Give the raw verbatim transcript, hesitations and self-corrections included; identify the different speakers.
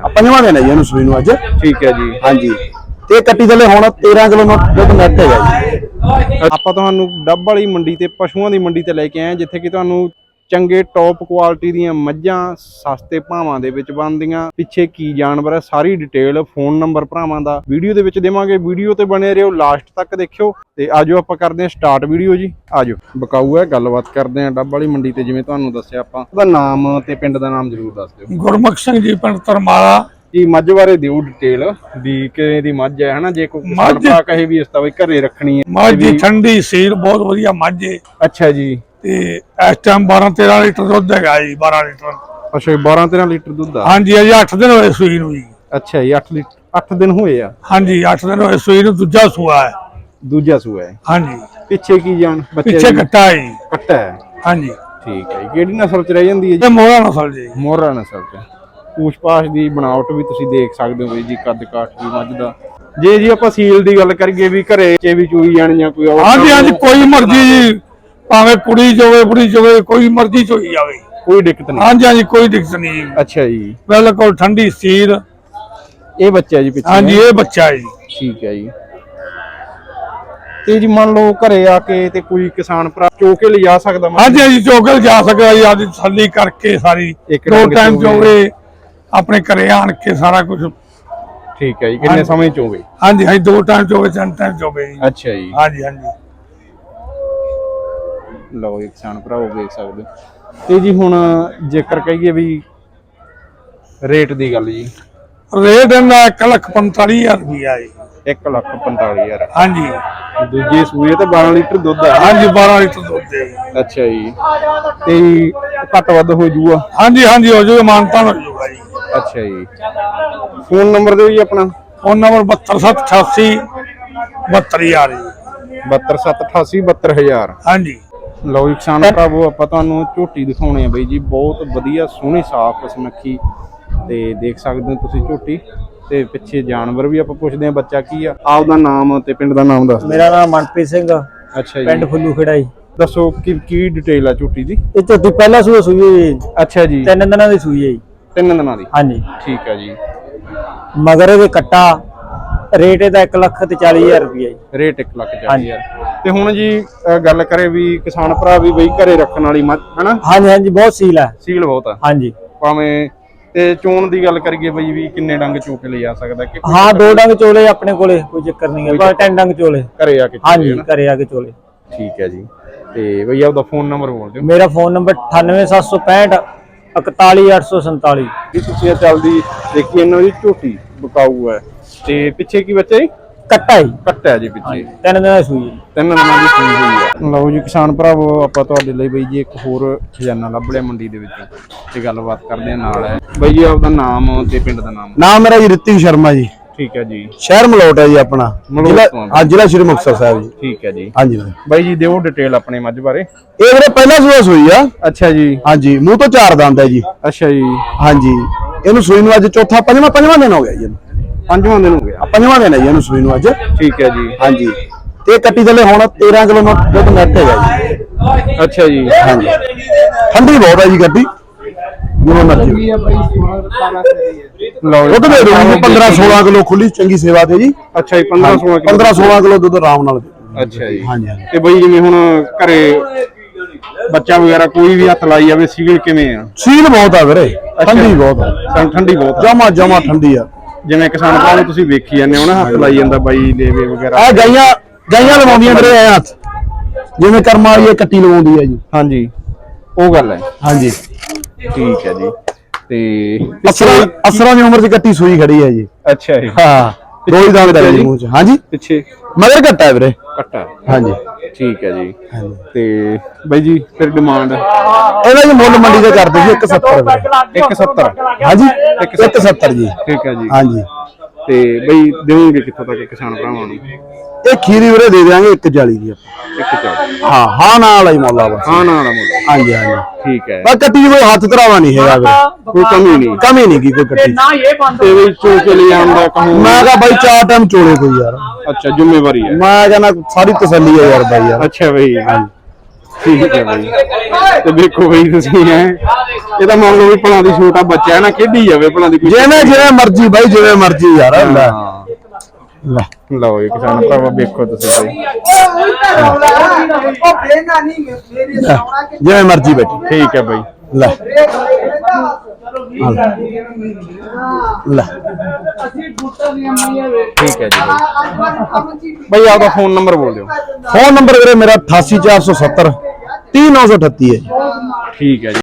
Speaker 1: पंजवां दिन है जी इहनूं सूई नूं अज।
Speaker 2: ठीक है जी।
Speaker 1: हाँ जी ते कट्टी थले हुण तेरह किलो दुध नैट है जी।
Speaker 2: ਆਪਾਂ ਤੁਹਾਨੂੰ ਡੱਬ ਵਾਲੀ ਮੰਡੀ ਤੇ ਪਸ਼ੂਆਂ ਦੀ ਮੰਡੀ ਤੇ ਲੈ ਕੇ ਆਏ ਜਿੱਥੇ ਕਿ ਤੁਹਾਨੂੰ ਚੰਗੇ ਟੌਪ ਕੁਆਲਿਟੀ ਦੀਆਂ ਮੱਝਾਂ ਸਸਤੇ ਭਾਵਾਂ ਦੇ ਵਿੱਚ ਬਣਦੀਆਂ। ਪਿੱਛੇ ਕੀ ਜਾਨਵਰ ਹੈ ਸਾਰੀ ਡਿਟੇਲ ਫੋਨ ਨੰਬਰ ਭਰਾਵਾਂ ਦਾ ਵੀਡੀਓ ਦੇ ਵਿੱਚ ਦੇਵਾਂਗੇ। ਵੀਡੀਓ ਤੇ ਬਣੇ ਰਹੋ, ਲਾਸਟ ਤੱਕ ਦੇਖਿਓ। ਤੇ ਆਜੋ ਆਪਾਂ ਕਰਦੇ ਹਾਂ ਸਟਾਰਟ ਵੀਡੀਓ ਜੀ। ਆਜੋ ਬਕਾਊ ਹੈ, ਗੱਲਬਾਤ ਕਰਦੇ ਹਾਂ ਡੱਬ ਵਾਲੀ ਮੰਡੀ ਤੇ। ਜਿਵੇਂ ਤੁਹਾਨੂੰ ਦੱਸਿਆ ਆਪਾਂ ਉਹਦਾ ਨਾਮ ਤੇ ਪਿੰਡ ਦਾ ਨਾਮ ਜ਼ਰੂਰ ਦੱਸ ਦਿਓ।
Speaker 3: ਗੁਰਮੁਖ ਸਿੰਘ ਜੀ, ਪਿੰਡ ਤਰਮਾਲਾ
Speaker 2: ਜੀ। ਮੱਝ ਬਾਰੇ ਦਿਓ ਡਿਟੇਲ ਵੀ ਕਿਵੇਂ ਦੀ ਮੱਝ ਹੈ ਹਨਾ, ਜੇ ਕੋਈ ਕਿਸਾਨ ਭਰਾ ਕਹੇ ਵੀ ਇਸ ਤਾਂ ਬਈ ਘਰੇ ਰੱਖਣੀ ਹੈ।
Speaker 3: ਮੱਝ ਦੀ ਠੰਡੀ ਸੀਲ ਬਹੁਤ ਵਧੀਆ ਮੱਝ ਹੈ।
Speaker 2: ਅੱਛਾ ਜੀ।
Speaker 3: ਤੇ ਇਸ ਟਾਈਮ ਬਾਰਾਂ ਤੇਰਾਂ ਲੀਟਰ ਦੁੱਧ ਹੈਗਾ ਜੀ। ਬਾਰਾਂ ਲੀਟਰ।
Speaker 2: ਅੱਛਾ ਬਾਰਾਂ ਤੇਰਾਂ ਲੀਟਰ ਦੁੱਧ ਆ।
Speaker 3: ਹਾਂਜੀ ਅਜੇ ਅੱਠ ਦਿਨ ਹੋਏ ਸੂਈ ਨੂੰ ਜੀ।
Speaker 2: ਅੱਛਾ ਜੀ। ਅੱਠ ਲੀਟਰ ਅੱਠ ਦਿਨ ਹੋਏ ਆ।
Speaker 3: ਹਾਂਜੀ ਅੱਠ ਦਿਨ ਹੋਏ ਸੂਈ ਨੂੰ। ਦੂਜਾ ਸੂਆ ਹੈ।
Speaker 2: ਦੂਜਾ ਸੂਆ ਹੈ।
Speaker 3: ਹਾਂਜੀ।
Speaker 2: ਪਿੱਛੇ ਕੀ ਜਾਣ
Speaker 3: ਪਿੱਛੇ ਕੱਟਾ ਹੈ ਜੀ।
Speaker 2: ਕੱਟਾ ਹੈ।
Speaker 3: ਹਾਂਜੀ
Speaker 2: ਠੀਕ ਹੈ। ਕਿਹੜੀ ਨਸਲ ਚ ਰਹਿ ਜਾਂਦੀ ਹੈ ਜੀ?
Speaker 3: ਇਹ ਮੋਹਰਾ ਨਸਲ ਜੀ।
Speaker 2: ਮੋਹਰਾ ਨਸਲ ਚ। ਪੂਛ ਪਾਛ ਦੀ ਬਣਾਵਟ ਵੀ ਤੁਸੀਂ ਦੇਖ ਸਕਦੇ ਹੋ ਜੀ, ਕੱਦ ਕਾਠ ਦੀ ਮੱਝ ਦਾ। ਜੇ ਜੀ ਆਪਾਂ ਸੀਲ ਦੀ ਗੱਲ ਕਰੀਏ ਵੀ ਘਰੇ ਚ ਵੀ ਚੂਈ ਜਾਣ ਜਾਂ ਕੋਈ
Speaker 3: ਹਾਂਜੀ ਹਾਂਜੀ ਕੋਈ ਮਰਜ਼ੀ ਜੀ, ਭਾਵੇਂ ਕੁੜੀ ਚੋਵੇ ਬੁੜੀ ਚੋਵੇ, ਕੋਈ ਮਰਜ਼ੀ ਚੋਈ ਜਾਵੇ,
Speaker 2: ਕੋਈ ਦਿੱਕਤ ਨਹੀਂ।
Speaker 3: ਹਾਂਜੀ ਹਾਂਜੀ ਕੋਈ ਦਿੱਕਤ ਨਹੀਂ।
Speaker 2: ਅੱਛਾ ਜੀ।
Speaker 3: ਬਿਲਕੁਲ ਠੰਡੀ ਸੀਲ।
Speaker 2: ਇਹ ਬੱਚਾ ਜੀ ਪਿੱਛੇ?
Speaker 3: ਹਾਂਜੀ ਇਹ ਬੱਚਾ ਹੈ ਜੀ।
Speaker 2: ਠੀਕ ਹੈ ਜੀ। ਤੇ ਜੀ ਮੰਨ ਲਓ ਘਰੇ ਆ ਕੇ ਤੇ ਕੋਈ ਕਿਸਾਨ ਭਰਾ ਚੋ ਕੇ ਲਿਜਾ ਸਕਦਾ?
Speaker 3: ਹਾਂਜੀ ਹਾਂਜੀ ਚੋਕਲ ਜਾ ਸਕਦਾ ਜੀ। ਅੱਜ ਤਸੱਲੀ ਕਰਕੇ ਸਾਰੀ ਦੋ ਟਾਈਮ ਚੋਵੇ ਆਪਣੇ ਘਰੇ ਆਣ ਕੇ ਸਾਰਾ ਕੁਝ।
Speaker 2: ਠੀਕ ਹੈ ਜੀ। ਕਿੰਨੇ ਸਮੇਂ ਚ ਹੋਵੇ?
Speaker 3: ਹਾਂਜੀ ਹਾਂਜੀ ਦੋ ਟਾਈਮ ਚੋਵੇ, ਤਿੰਨ ਟਾਈਮ ਚੋਵੇ ਜੀ।
Speaker 2: ਅੱਛਾ ਜੀ।
Speaker 3: ਹਾਂਜੀ ਹਾਂਜੀ।
Speaker 2: ਲਓ ਜੀ ਕਿਸਾਨ ਭਰਾਓ ਦੇਖ ਸਕਦੇ ਹੋ। ਤੇ ਜੀ ਹੁਣ ਜੇਕਰ ਕਹੀਏ ਵੀ ਰੇਟ ਦੀ ਗੱਲ ਜੀ?
Speaker 3: ਰੇਟ ਇਹਦਾ ਇੱਕ ਲੱਖ ਪੰਤਾਲੀ ਹਜ਼ਾਰ ਰੁਪਇਆ ਜੀ।
Speaker 2: ਇੱਕ ਲੱਖ ਪੰਤਾਲੀ ਹਜ਼ਾਰ।
Speaker 3: ਹਾਂਜੀ।
Speaker 2: ਦੂਜੇ ਸੂਏ ਤੇ ਬਾਰਾਂ ਲੀਟਰ ਦੁੱਧ ਆ?
Speaker 3: ਹਾਂਜੀ ਬਾਰਾਂ ਲੀਟਰ ਦੁੱਧ ਹੈ।
Speaker 2: ਅੱਛਾ ਜੀ। ਤੇ ਘੱਟ ਵੱਧ ਹੋ ਜੂਗਾ?
Speaker 3: ਹਾਂਜੀ ਹਾਂਜੀ ਹੋ ਜੂਗਾ, ਮਾਨਤਾਨ ਹੋ ਜੂਗਾ ਜੀ।
Speaker 2: ਅੱਛਾ ਜੀ। ਫੋਨ ਨੰਬਰ ਦਿਓ ਜੀ ਆਪਣਾ।
Speaker 3: ਫੋਨ ਨੰਬਰ ਬਹੱਤਰ ਸੱਤ ਅਠਾਸੀ ਬਹੱਤਰ ਹਜ਼ਾਰ ਜੀ।
Speaker 2: ਬਹੱਤਰ ਸੱਤ ਅਠਾਸੀ ਬਹੱਤਰ ਹਜ਼ਾਰ।
Speaker 3: ਹਾਂਜੀ।
Speaker 2: ਲਓ ਜੀ ਕਿਸਾਨ ਭਰਾਵੋ ਆਪਾਂ ਤੁਹਾਨੂੰ ਝੋਟੀ ਦਿਖਾਉਣੇ ਆ ਬਈ ਜੀ। ਬਹੁਤ ਵਧੀਆ ਸੋਹਣੀ ਸਾਫ਼ ਸੁਨੱਖੀ ਤੇ ਦੇਖ ਸਕਦੇ ਹੋ ਤੁਸੀਂ ਝੋਟੀ। ਤੇ ਪਿੱਛੇ ਜਾਨਵਰ ਵੀ ਆਪਾਂ ਪੁੱਛਦੇ ਆ ਬੱਚਾ ਕੀ ਆ। ਆਪਦਾ ਨਾਮ ਤੇ ਪਿੰਡ ਦਾ ਨਾਮ ਦੱਸ।
Speaker 4: ਮੇਰਾ ਨਾਮ ਮਨਪ੍ਰੀਤ ਸਿੰਘ।
Speaker 2: ਅੱਛਾ ਜੀ।
Speaker 4: ਪਿੰਡ ਫੁੱਲੂ ਖੇੜਾ ਜੀ।
Speaker 2: ਦੱਸੋ ਕੀ ਕੀ ਡਿਟੇਲ ਆ ਝੋਟੀ ਦੀ?
Speaker 4: ਇਹ ਝੋਟੀ ਪਹਿਲਾ ਸੂਆ ਸੂਈ ਹੈ।
Speaker 2: ਅੱਛਾ ਜੀ।
Speaker 4: ਤਿੰਨ ਦਿਨਾਂ ਦੀ ਸੂਈ ਹੈ ਜੀ।
Speaker 2: ਤਿੰਨ ਦਿਨਾਂ ਦੀ?
Speaker 4: ਹਾਂਜੀ।
Speaker 2: ਠੀਕ ਹੈ ਜੀ।
Speaker 4: ਮਗਰ ਇਹਦੇ ਕੱਟਾ ਰੇਟ ਇਹਦਾ ਇੱਕ ਲੱਖ ਤੇ ਚਾਲੀ ਹਜ਼ਾਰ ਰੁਪਇਆ ਜੀ।
Speaker 2: ਰੇਟ ਇੱਕ ਲੱਖ ਚਾਲੀ ਹਜ਼ਾਰ। ਤੇ ਹੁਣ ਜੀ ਗੱਲ ਕਰੇ ਵੀ ਕਿਸਾਨ ਭਰਾ ਵੀ ਬਈ ਘਰੇ ਰੱਖਣ ਵਾਲੀ ਮੱਝ ਹਨਾ?
Speaker 4: ਹਾਂਜੀ ਹਾਂਜੀ ਬਹੁਤ ਸੀਲ ਹੈ।
Speaker 2: ਸੀਲ ਬਹੁਤ ਆ?
Speaker 4: ਹਾਂਜੀ।
Speaker 2: ਭਾਵੇਂ ਤੇ ਚੋਣ ਦੀ ਗੱਲ ਕਰੀਏ ਬਈ ਵੀ ਕਿੰਨੇ ਡੰਗ ਚੋ ਕੇ ਲਿਜਾ ਸਕਦਾ? ਕਿ
Speaker 4: ਹਾਂ ਦੋ ਡੰਗ ਚੋਲੇ ਆਪਣੇ ਕੋਲੇ, ਕੋਈ ਚੱਕਰ ਨਹੀਂ ਹੈ। ਪਰ ਤਿੰਨ ਡੰਗ ਚੋਲੇ
Speaker 2: ਘਰੇ ਆ ਕੇ?
Speaker 4: ਹਾਂਜੀ ਘਰੇ ਆ ਕੇ ਚੋਲੇ।
Speaker 2: ਠੀਕ ਹੈ ਜੀ। ਤੇ ਬਈ ਆਪਦਾ ਫੋਨ ਨੰਬਰ ਬੋਲ ਦਿਓ।
Speaker 4: ਮੇਰਾ ਫੋਨ ਨੰਬਰ ਅਠਾਨਵੇਂ ਸੱਤ ਸੌ ਪੈਂਹਠ ਇਕਤਾਲੀ ਅੱਠ ਸੌ ਸੰਤਾਲੀ।
Speaker 2: ਜੀ ਤੁਸੀਂ ਚੱਲਦੀ ਦੇਖੀ ਇਹਨਾਂ ਦੀ ਝੋਟੀ ਬਕਾਊ ਹੈ। ਤੇ ਪਿੱਛੇ ਕੀ ਬੱਚਾ ਜੀ?
Speaker 4: ਕੱਟਾ ਜੀ।
Speaker 2: ਕੱਟਾ ਹੈ ਜੀ ਪਿੱਛੇ।
Speaker 4: ਤਿੰਨ ਦਿਨਾਂ ਦੀ ਸੂਈ ਹੈ।
Speaker 2: ਤਿੰਨ ਦਿਨਾਂ ਦੀ ਸੂਈ ਹੋਈ ਹੈ। ਲਓ ਜੀ ਕਿਸਾਨ ਭਰਾਵੋ ਆਪਾਂ ਤੁਹਾਡੇ ਲਈ ਬਈ ਜੀ ਇੱਕ ਹੋਰ ਖਜ਼ਾਨਾ ਲੱਭ ਲਿਆ ਮੰਡੀ ਦੇ ਵਿੱਚੋਂ ਤੇ ਗੱਲਬਾਤ ਕਰਦੇ ਆ ਨਾਲ ਹੈ ਬਈ ਜੀ। ਆਪਦਾ ਨਾਮ ਤੇ ਪਿੰਡ ਦਾ ਨਾਮ?
Speaker 1: ਨਾਮ ਮੇਰਾ ਜੀ ਰਿਤਿਕ ਸ਼ਰਮਾ ਜੀ।
Speaker 2: ਠੀਕ ਹੈ ਜੀ।
Speaker 1: ਸ਼ਹਿਰ ਮਲੋਟ ਹੈ ਜੀ ਆਪਣਾ। ਜ਼ਿਲ੍ਹਾ ਹਾਂ ਜ਼ਿਲ੍ਹਾ ਸ਼੍ਰੀ ਮੁਕਤਸਰ ਸਾਹਿਬ ਜੀ।
Speaker 2: ਠੀਕ ਹੈ ਜੀ।
Speaker 1: ਹਾਂਜੀ
Speaker 2: ਬਾਈ ਜੀ ਦਿਓ ਡਿਟੇਲ ਆਪਣੇ ਮੱਝ ਬਾਰੇ।
Speaker 1: ਇਹ ਵੀਰੇ ਪਹਿਲਾ ਸੂਆ ਸੂਈ ਆ।
Speaker 2: ਅੱਛਾ ਜੀ।
Speaker 1: ਹਾਂਜੀ ਮੂੰਹ ਤੋਂ ਚਾਰ ਦੰਦ ਹੈ ਜੀ।
Speaker 2: ਅੱਛਾ ਜੀ।
Speaker 1: ਹਾਂਜੀ ਇਹਨੂੰ ਸੂਈ ਨੂੰ ਅੱਜ ਚੌਥਾ ਪੰਜਵਾਂ ਪੰਜਵਾਂ ਦਿਨ ਹੋ ਗਿਆ ਜੀ।
Speaker 2: ਪੰਜਵਾਂ ਦਿਨ ਹੋ ਗਿਆ?
Speaker 1: ਪੰਜਵਾਂ ਦਿਨ ਹੈ ਜੀ ਇਹਨੂੰ ਸੂਈ ਨੂੰ ਅੱਜ।
Speaker 2: ਠੀਕ ਹੈ ਜੀ।
Speaker 1: ਹਾਂਜੀ ਤੇ ਕੱਟੀ ਥਲੇ ਹੁਣ ਤੇਰ੍ਹਾਂ ਕਿਲੋ ਦੁੱਧ ਨੈਟ ਹੈਗਾ ਜੀ।
Speaker 2: ਅੱਛਾ ਜੀ।
Speaker 1: ਹਾਂਜੀ ਠੰਡੀ ਬਹੁਤ ਹੈ ਜੀ ਕੱਟੀ। ਜਿਵੇਂ ਮਰਜ਼ੀ
Speaker 2: ਲਓ
Speaker 1: ਦੁੱਧ ਦੇ ਦੂੰਗੀ ਪੰਦਰਾਂ ਸੋਲਾਂ ਕਿਲੋ ਖੁੱਲੀ ਚੰਗੀ ਸੇਵਾ ਤੇ ਜੀ।
Speaker 2: ਅੱਛਾ ਜੀ। ਪੰਦਰਾਂ ਸੋਲਾਂ ਕਿਲੋ?
Speaker 1: ਪੰਦਰਾਂ ਸੋਲਾਂ ਕਿਲੋ ਦੁੱਧ ਆਰਾਮ ਨਾਲ।
Speaker 2: ਅੱਛਾ ਜੀ।
Speaker 1: ਹਾਂਜੀ ਹਾਂਜੀ।
Speaker 2: ਤੇ ਬਈ ਜਿਵੇਂ ਹੁਣ ਘਰੇ ਬੱਚਾ ਵਗੈਰਾ ਕੋਈ ਵੀ ਹੱਥ ਲਾਈ ਜਾਵੇ ਸੀਲ ਕਿਵੇਂ ਆ?
Speaker 1: ਸੀਲ ਬਹੁਤ ਆ ਵੀਰੇ, ਠੰਡੀ ਬਹੁਤ ਆ।
Speaker 2: ਠੰਡੀ ਬਹੁਤ
Speaker 1: ਜਮਾ ਜਮਾ ਠੰਡੀ ਆ।
Speaker 2: ਜਿਵੇਂ ਕਿਸਾਨ ਭਰਾ ਨੂੰ ਤੁਸੀਂ ਵੇਖੀ ਜਾਂਦੇ ਹੋ ਨਾ ਹੱਥ ਲਾਈ ਜਾਂਦਾ ਬਾਈ ਲੇਵੇ ਵਗੈਰਾ।
Speaker 1: ਆ ਗਾਈਆਂ ਗਾਈਆਂ ਲਵਾਉਂਦੀਆਂ ਵੀਰੇ ਐ ਹੱਥ, ਜਿਵੇਂ ਕਰਮਾਂ ਵਾਲੀ ਇਹ ਕੱਟੀ ਲਵਾਉਂਦੀ ਹੈ ਜੀ।
Speaker 2: ਹਾਂਜੀ ਉਹ ਗੱਲ ਹੈ।
Speaker 1: ਹਾਂਜੀ
Speaker 2: ਠੀਕ ਹੈ ਜੀ। ਤੇ
Speaker 1: ਅਸਰਾਂ ਅਸਰਾਂ ਦੀ ਉਮਰ ਚ ਕੱਟੀ ਸੂਈ ਖੜੀ ਹੈ ਜੀ।
Speaker 2: ਅੱਛਾ ਜੀ।
Speaker 1: ਹਾਂ ਦੋ ਹੀ ਦੰਦ ਹੈ ਜੀ ਮੂੰਹ ਚ। ਹਾਂਜੀ
Speaker 2: ਪਿੱਛੇ
Speaker 1: ਮਗਰ ਕੱਟਾ ਹੈ ਵੀਰੇ।
Speaker 2: ਕੱਟਾ?
Speaker 1: ਹਾਂਜੀ
Speaker 2: ਠੀਕ ਹੈ ਜੀ। ਤੇ ਬਾਈ ਜੀ ਫਿਰ ਡਿਮਾਂਡ
Speaker 1: ਇਹਦਾ ਜੀ ਮੁੱਲ ਮੰਡੀ ਦੇ ਕਰਦੇ ਜੀ ਇੱਕ ਸੱਤਰ ਵੀਰੇ।
Speaker 2: ਇੱਕ ਸੱਤਰ?
Speaker 1: ਹਾਂਜੀ ਇੱਕ ਸੱਤਰ ਜੀ।
Speaker 2: ਠੀਕ ਹੈ ਜੀ।
Speaker 1: ਹਾਂਜੀ
Speaker 2: ਤੇ ਬਈ ਦੇਵੋਗੇ ਕਿੱਥੋਂ ਤੱਕ ਕਿਸਾਨ ਭਰਾਵਾਂ ਨੂੰ?
Speaker 1: ਇਹ ਖੀਰੀ ਵੀਰੇ ਦੇ ਦਿਆਂਗੇ ਇੱਕ ਚਾਲੀ ਦੀ ਆਪਾਂ।
Speaker 2: ਇੱਕ ਚਾਲੀ?
Speaker 1: ਹਾਂ ਹਾਂ ਨਾਲ ਹੀ ਮੁੱਲ ਆ ਬਸ।
Speaker 2: ਹਾਂ ਨਾਲ ਮੁੱਲ?
Speaker 1: ਹਾਂਜੀ ਹਾਂਜੀ
Speaker 2: ਠੀਕ ਹੈ।
Speaker 1: ਬਸ ਕੱਟੀ ਕੋਈ ਹੱਥ ਧਰਾਵਾ ਨਹੀਂ ਹੈਗਾ ਵੀਰੇ,
Speaker 2: ਕੋਈ ਕਮੀ ਨਹੀਂ?
Speaker 1: ਕਮੀ ਨਹੀਂ ਕੀ ਕੋਈ ਕੱਟੀ
Speaker 2: ਤੇ ਬਈ ਚੋ ਕੇ ਲੈ ਆਉਂਦਾ ਕਹੂੰ
Speaker 1: ਮੈਂ ਕਹਾ ਬਾਈ ਚਾਰ ਟਾਈਮ ਚੋਲੇ ਕੋਈ ਯਾਰ।
Speaker 2: ਅੱਛਾ ਜ਼ਿੰਮੇਵਾਰੀ ਹੈ?
Speaker 1: ਮੈਂ ਕਹਿੰਦਾ ਸਾਰੀ ਤਸੱਲੀ ਹੈ ਯਾਰ ਬਾਈ ਯਾਰ।
Speaker 2: ਅੱਛਾ ਬਈ। ਠੀਕ ਹੈ ਬਾਈ। ਤੇ ਦੇਖੋ ਬਾਈ ਤੁਸੀਂ ਹੈ ਇਹ ਤਾਂ ਮੰਨ ਲਓ ਵੀ ਭਲਾ ਦੀ ਛੋਟਾ ਬੱਚਾ ਹੈ ਨਾ, ਖੇਡੀ ਜਾਵੇ ਭਲਾ ਦੀ।
Speaker 1: ਜਿਵੇਂ ਜਿਵੇਂ ਮਰਜੀ ਬਾਈ, ਜਿਵੇਂ ਮਰਜੀ ਯਾਰ। ਲੈ ਲੈ
Speaker 2: ਲਓ ਇਹ ਕਿਸਾਨ ਭਰਾਵਾ ਵੇਖੋ ਤੁਸੀਂ ਬਾਈ,
Speaker 1: ਜਿਵੇਂ ਮਰਜੀ ਬੈਠੀ।
Speaker 2: ਠੀਕ ਹੈ ਬਾਈ।
Speaker 1: ਲੈ ਲੈ
Speaker 2: ਠੀਕ ਹੈ ਜੀ ਬਾਈ। ਬਾਈ ਆਪਦਾ ਫੋਨ ਨੰਬਰ ਬੋਲ ਦਿਓ।
Speaker 1: ਫੋਨ ਨੰਬਰ ਵੀਰੇ ਮੇਰਾ ਅਠਾਸੀ ਚਾਰ ਸੌ ਸੱਤਰ ਤੀਹ ਨੌ ਸੌ ਅਠੱਤੀ ਹੈ ਜੀ।
Speaker 2: ਠੀਕ ਹੈ ਜੀ।